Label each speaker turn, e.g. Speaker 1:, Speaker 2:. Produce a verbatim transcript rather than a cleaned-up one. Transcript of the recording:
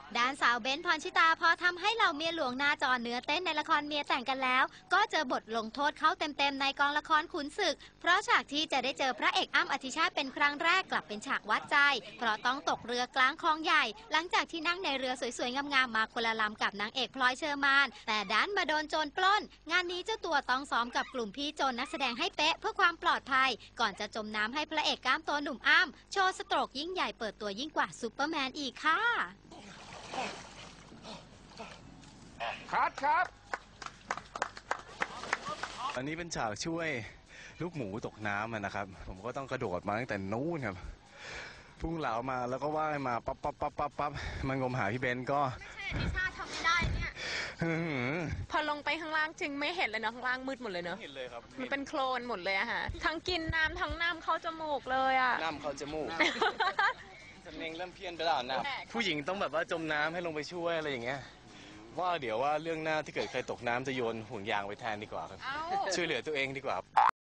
Speaker 1: ด้านสาวเบ้นพรชิตาพอทำให้เหล่าเมียหลวงหน้าจอเนื้อเต้นในละครเมียแต่งกันแล้วก็เจอบทลงโทษเข้าเต็มๆในกองละครขุนศึกเพราะฉากที่จะได้เจอพระเอกอ้ำอธิชาติเป็นครั้งแรกกลับเป็นฉากวัดใจเพราะต้องตกเรือกลางคลองใหญ่หลังจากที่นั่งในเรือสวยๆงามๆมาคนละลำกับนางเอกพลอยเชอร์มานแต่ดันมาโดนโจรปล้นงานนี้เจ้าตัวต้องซ้อมกับกลุ่มพี่โจรนักแสดงให้เป๊ะเพื่อความปลอดภัยก่อนจะจมน้ำให้พระเอกกล้ามโตหนุ่มอ้ำโชว์สโตรกยิ่งใหญ่เปิดตัวยิ่งกว่าซูเปอร์แมนอีกค่ะ
Speaker 2: คัดครับ
Speaker 3: อันนี้เป็นฉากช่วยลูกหมูตกน้ำนะครับผมก็ต้องกระโดดมาตั้งแต่นู้นครับพุ่งเหลามาแล้วก็ว่ายมาปั๊บปั๊บปั๊บปั๊บปั๊บมันงมหาพี่เบนก็
Speaker 4: ไม่ใช่อธิชาติทำไม่ได้เนี่ยพอลงไปข้างล่างจึงไม่เห็นเลยเนาะข้างล่างมืดหมดเลยเนาะ
Speaker 3: เห็นเลยครับ
Speaker 4: มันเป็นโคลนหมดเลยอะค่ะทั้งกินน้ำทั้งน้ำเข้าจมูกเลยอะ
Speaker 3: น้ำเข้าจมูกสำเนียงเริ่มเพี้ยนไปแล้วนะผู้หญิงต้องแบบว่าจมน้ำให้ลงไปช่วยอะไรอย่างเงี้ยว่าเดี๋ยวว่าเรื่องหน้าที่เกิดใครตกน้ำจะโยนห่วงยางไปแทนดีกว่าครับช่วยเหลือตัวเองดีกว่า